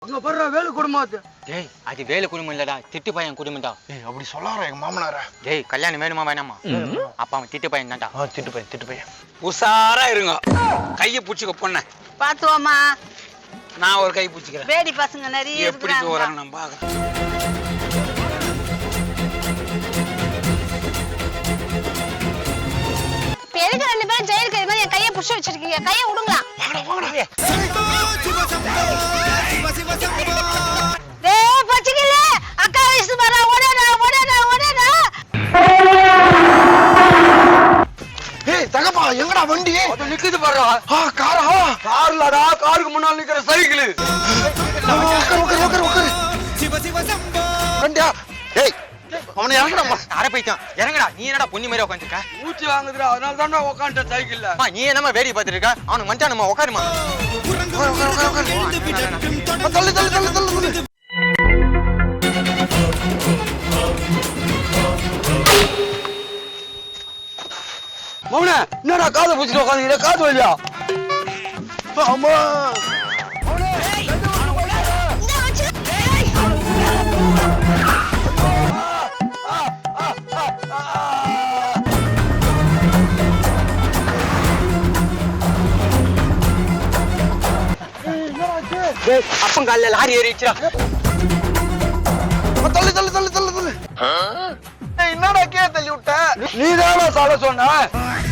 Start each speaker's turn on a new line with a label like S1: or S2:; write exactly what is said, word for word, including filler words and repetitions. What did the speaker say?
S1: அங்க பாரு வேலு குடும்பம் அது.
S2: டேய் அது வேலு குடும்பம் இல்லடா, திட்டு பையன் குடும்பம்டா.
S3: ஏய் அப்படி சொல்லாரா எங்க மாமனார?
S2: டேய் கல்யாணம் வேணுமா வேணாமா? அப்பா அவன் திட்டு பையன் தான்டா.
S3: ஆ திட்டு பையன் திட்டு பையன்.
S4: உஷாரா இருங்க. கையை பிடிச்சிக்க பொண்ண.
S5: பாத்துவோமா?
S4: நான் ஒரு கை பிடிச்சிக்கிறேன்.
S5: வேடி பசங்க நிறைய
S4: எப்படி போறாங்க நம்ம பாக்கலாம்.
S5: எதுக்கு ரெண்டு பேரும் ஜெயிலுக்கு இருக்கிற என் கையை புடிச்சு வச்சிருக்கீங்க? கையை விடுங்களா? டேய் பச்சிக்கல அக்கா வயசு வர ஓடடா ஓடடா ஓடடா.
S3: ஏய் தகப்பா எங்கடா வண்டி?
S1: அது நிக்குது பாருடா.
S3: ஆ காரா?
S1: கார்லடா, காருக்கு முன்னால நிக்கிற சைக்கிள்.
S3: உட்காரு உட்காரு உட்காரு உட்காரு. வண்டியா? ஏய் அவனை இறங்கடா.
S2: அரை பைத்தியம் இறங்கடா. நீ என்னடா பொண்ணு மாதிரி உட்காந்துருக்க?
S1: ஊச்சி வாங்குதுடா, அதனால தான்டா உட்காந்துட்ட சைக்கிள்ல.
S2: அம்மா நீ என்னமா வேடி பார்த்துட்டு இருக்க? அவனுக்கு மச்சான் நம்ம உட்காருமா.
S3: உட்காரு உட்காரு உட்காரு உட்காரு. தள்ளு தள்ளு தள்ளு தள்ளு தள்ளு.
S1: மௌன என்னடா காதை பிடிச்சிட்டு உட்காந்துக்கிற? காது வலியா?
S3: ஆமா
S5: இந்த வச்சு
S2: டேய் அப்பன் கால்ல லாரி ஏறிச்சுடா.
S3: தள்ளு தள்ளு தள்ளு தள்ளு தள்ளு. ஏய் என்னடா கே தள்ளி விட்ட?
S1: நீதானா சால சொன்ன?